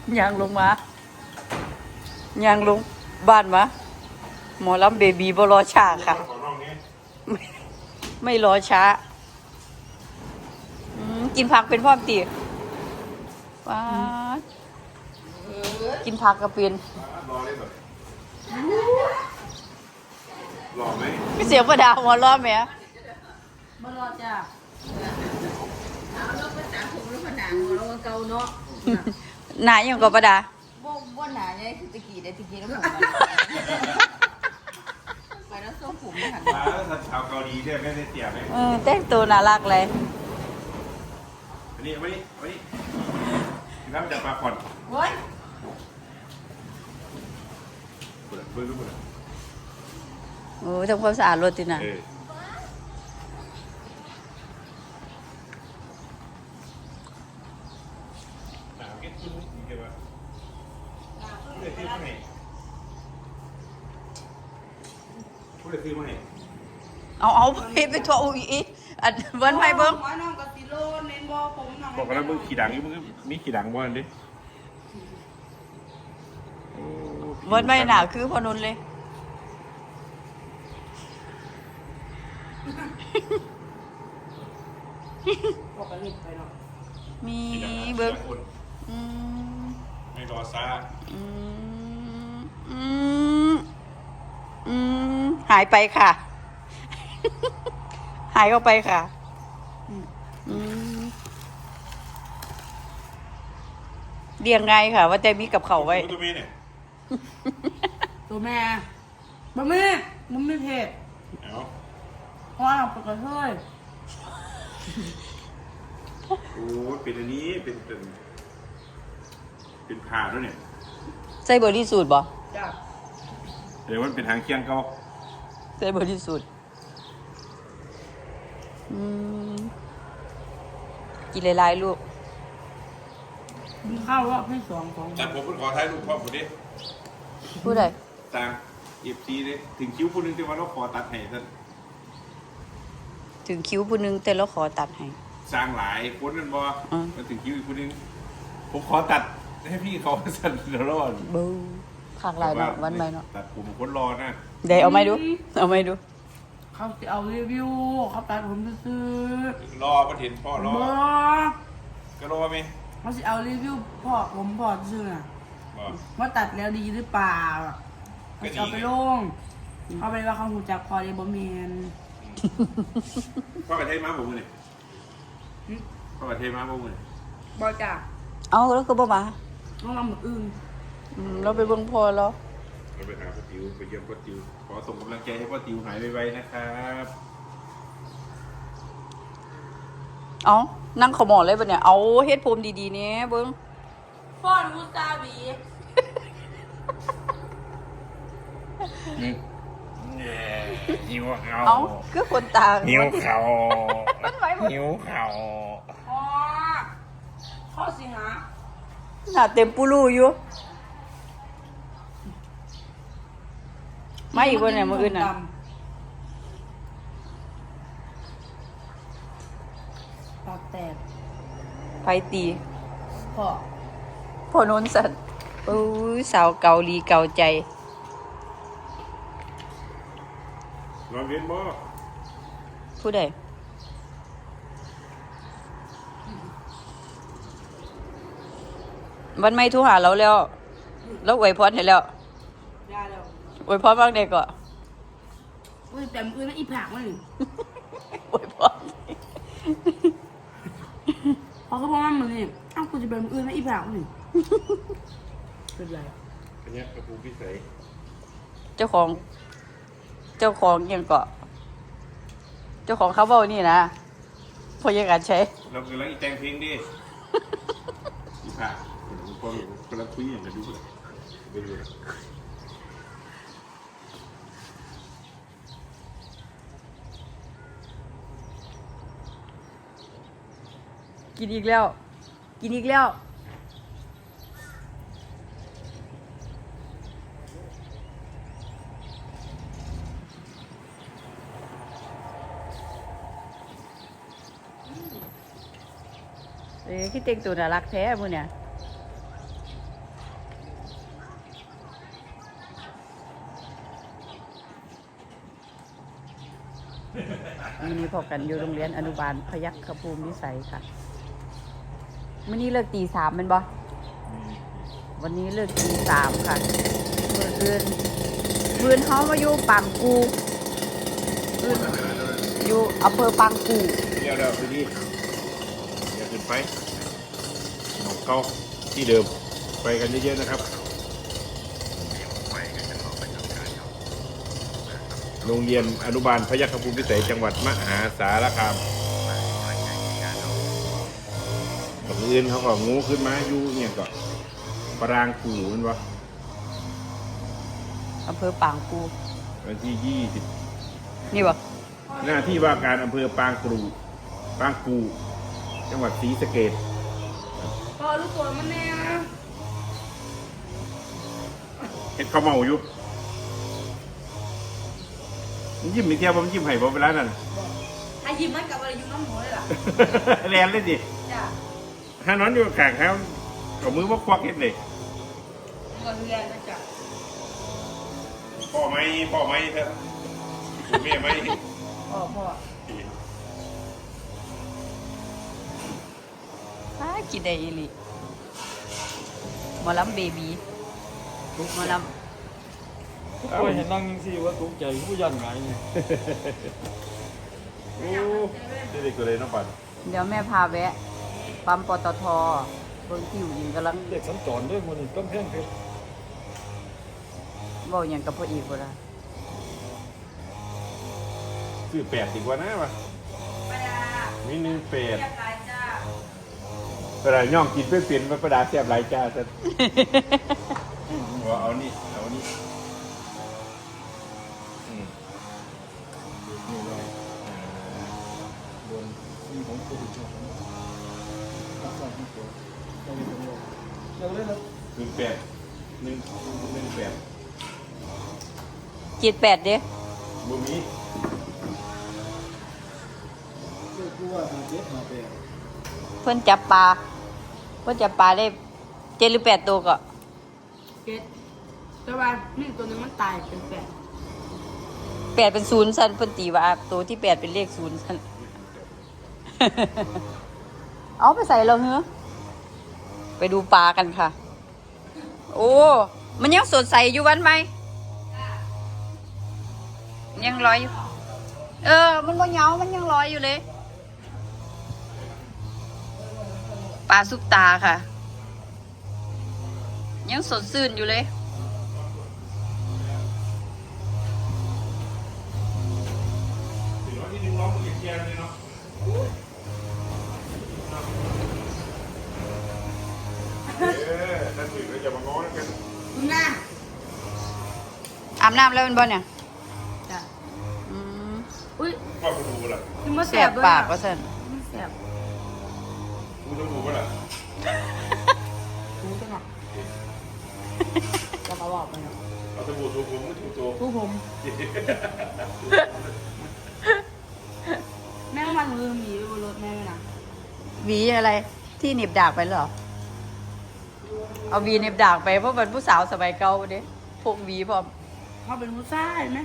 ยางลงมาย่างลงบ้านมาหมอลำเบบีบ่รอช้าค่ะไม่รอช้ากินผักเป็นพ่อมตีว้ากินผักก็เป็นรอได้แบบรอไหมไม่เสียงประดาหัวรอไหมบ่รอจ้าเอาแล้วภาษาผมแล้วภาษาหัวเราเก่าเนาะหนาอย่างกับประดาบ่หนาเนี่ยคือตะกี้ได้ตะกี้แล้วผมไปแล้วทรงผมไม่หันมาแล้วชาวเกาหลีเนี่ยไม่ได้เสียไหมแต่งตัวน่ารักเลยอันนี้ไม่กินน้ำจากปลาขอนเฮ้ยเปิดเปิดรู้เปิดโอ้ทำความสะอาดรถติน่ะพูดเลยคือไม่เอาไปทั่วอีอันเบิ้ลไพ่เบิ้งบอกกันแล้วมึงขี่ดังมึงมีขี่ดังบ้างดิเบิ้ลไพ่หนาคือพอนุนเลยมีเบิ้งไม่รอซาหายไปค่ะหายเข้าไปค่ะเรียงไงค่ะว่าแต่มีกับเขาไว้ตัวแม่เนี่ยตัวแม่บะแม่มันไม่เผ็ดว้าวปกติเลยโอ้เป็นอันนี้เป็นผ่าด้วยเนี่ยใส่บริสุทธิ์บ่จ้ะเดี๋ยวมันเป็นทางเคียงเขาใส่บริสุทธิ์กินหลายๆลูกมีข้าวรอบที่2ของแต่ผมขอท้ายลูกพ่อผมดิพูดอะไรต่างFCเลยถึงคิ้วคนนึงที่ว่าเราขอตัดให้ท่านถึงคิ้วผู้นึงแต่เราขอตัดให้สร้างหลายคนนั่นบ่มาถึงคิ้วอีกคนนึงผมขอตัดให้พี่เขาสั่นเดี๋ยวรอดบูผักหลายเนาะวันใหม่เนาะตัดผมคนรอนะเดี๋ยวเอาไหมดูเขาจะเอารีวิวเขาตัดผมซื้อรอประเห็นพ่อรอก็รอไหมเขาจะเอารีวิวพ่อผมพ่อซื้อน่ะว่าตัดแล้วดีหรือเปล่าเขาจะเอาไปลงเขาไปว่าเขาหูจักพอได้บ่เมนพ่อกระเทยมาผมเลยพ่อกระเทยมาผมเลยบ่จ้ะเอาแล้วก็บ่มาต้องทำแบบอื่นเราไปเบิ่งพอแล้วเราไปหาพ่อติวไปเยี่ยมพ่อติวขอส่งกำลังใจให้พ่อติวหายไวๆนะครับเอานั่งขมอเลยปะเนี่ยเอาเฮ็ดผมดีๆเนี่ยเบิ้งฟอนมูซาบีหิวเขาเอาคือคนตาหิวเขามันไหวหมดหิวเขาข้อสิหาหน้าเต็มปูรูอยู่ไม่อีกคนไหนมืออื่นน่ะปากแตกไฟตีพ่อนนสัตว์สาวเกาหลีเกาใจนอนเวียนบ่ผู้ใดวันไม่ทุหาเราแล้วอวยพรให้แล้วอวยพรบ้างเด็กก่อนแต่มือนั่นอีผักมันอวยพรพอเขาบอกว่ามันนี่อ้าวกูจะเป็นมือนั่นอีผักมันเป็นไรอันนี้กระปูพิเศษเจ้าของยังเกาะเจ้าของเขาบอกนี่นะพอยังการใช้เรากำลังอีแตงเพลงดิอีผักพอกำลังคุยอย่างกันดูเลยไปดูเลยกินอีกแล้วคิดเต็งตัวน่ารักแท้มึงเนี่ยมื้อนี้พบกันอยู่โรงเรียนอนุบาลพยัคฆภูมิวิสัยค่ะมื้อนี้เลิกตี 3แม่นบ่วันนี้เลิกตี 3ค่ะมื้ออื่นเฮามาอยู่ปางกูอื่นอยู่อำเภอปางกูเดี๋ยวไปดิอย่าขึ้นไปหนองเก้าที่เดิมไปกันเยอะๆนะครับโรงเรียนอนุบาลพยัคฆภูมิวิสัยจังหวัดมหาสารคามตอนอื่นเขาก็งูขึ้นมาอยู่เนี่ยก็ปรางกูมันวะอำเภอปางกูวันที่20 นี่บ่หน้าที่ว่าการอำเภอปางกูจังหวัดศรีสะเกษพอลูกตัวมันแน่นะเห็ดข้าวเมาอยู่มันยิ้มอีกเที่ยวผมยิ้มให้ผมเวลานั้นถ้ายิ้มมันกับอะไรอยู่น้ำหมูเลยล่ะแลนเลยสิจ้ะถ้านอนอยู่ข้างเขาเอามือว่าควักเห็ดเลยก็เรียนนะจ๊ะพ่อไหมเถอะแม่ไหมพ่อกินได้อีหลีหมอลำเบบีหมอลทุกคนเห็นนั่งยังสิว่าตกใจผู้ยันไงเนี่ยโอ้เด็กๆตัวเลยน้องปันำเดี๋ยวแม่พาแวะ ปั๊มปตทเบิ่งที่อยู่ยิงกำลังเด็กสัญจรด้วยมันต้นแพ่งเพชรเว้าหยังกับพ่ออีกบ่ล่ะซื้อ8ดีกว่านะวะไปดามี1 8 เรียบร้อยจ้าประดาย่องกินเพื่อเปลี่ยนมาประดาแซ่บหลายจ้าซะเอานี่นี่เลยบนมีของโควิดรักษาที่ตัวเราเป็นตัวเราเล่นแล้ว 18 จิต8เด้บ่มีเรียกว่าหาเจ็ดหาแปดเพิ่นจับปลาได้7หรือ8ตัวก็เก็ดแต่ว่านี่ตัวนึงมันตายเป็นแปด 8เป็น0ซั่นเพิ่นตีว่าตัวที่8เป็นเลข0ซั่น เอาไปใส่แล้วเหรอไปดูปลากันค่ะ โอ้มันยังสดใสอยู่วันไหมยังลอยอยู่มันบ่เหงามันยังลอยอยู่เลยปลาซุปตาค่ะ ยังสดชื่นอยู่เลยที่ดึงล้อมือแกเลยเนาะนั่นสิเราจะมาง้อกันคุณน่ะอาบน้ำแล้วเป็นบ่เนี่ยจ้ะอืมอุ้ยว่าคุณดูล่ะกินมาแสเสียบบ ด้วยปากว่าซั่นมันแสบคุณต้องดูล่ะถูจังอ่ะจะมาบอกไปเนาะเอาสบู่ถูผมไม่ถูตัวถูผมแม่งมันลืมหนีไปบนรถแม่เลยนะหวีอะไรที่หนีบดากไปเหรอ เอาหวีหนีบดากไปเพราะเป็นผู้สาวสมัยเก่าเด้พวกหวีพร้อมเขาเป็นผู้ชายไหม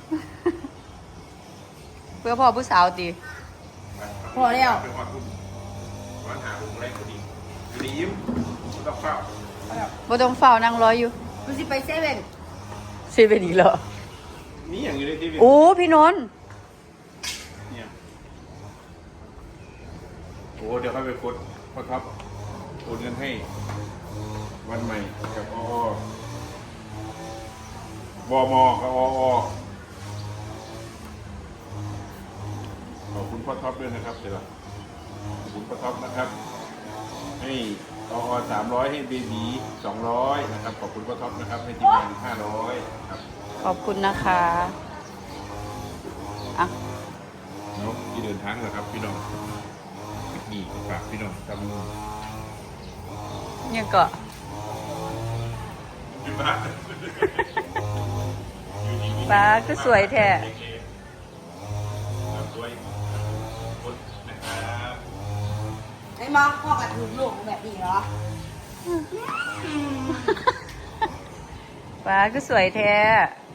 เพื่อพ่อผู้สาวตีพอแล้วเป็นความคุณวันหาผมแรงพอดีอยู่ดียิ้มไม่ต้องเฝ้าบ่ต้องเฝ้านั่งรออยู่กูสิไปเซเว่นเซเว่นอีกเหรอนี่อย่างอยู่ในทีวีโอ้พี่นนท์เนี่ยโอ้เดี๋ยวค่อยไปกดพอครับโอนเงินให้วันใหม่กับวมกับขอบคุณพ่อท็อปด้วยนะครับเดี๋ยวขอบคุณพ่อท็อปนะครับให้300ให้เบบี200นะครับขอบคุณพ่อท็อปนะครับให้ทีมงาน500ครับขอบคุณนะคะอ่ะเนาะที่เดินทางนะครับพี่น้องนี่ฝากพี่น้องจำยังก็อยู่บ้านปลาก็สวยแท้สวยคนนะครับไอ้มาพ่อกับถูกลูกแบบนี้เหรอปลาก็สวยแท้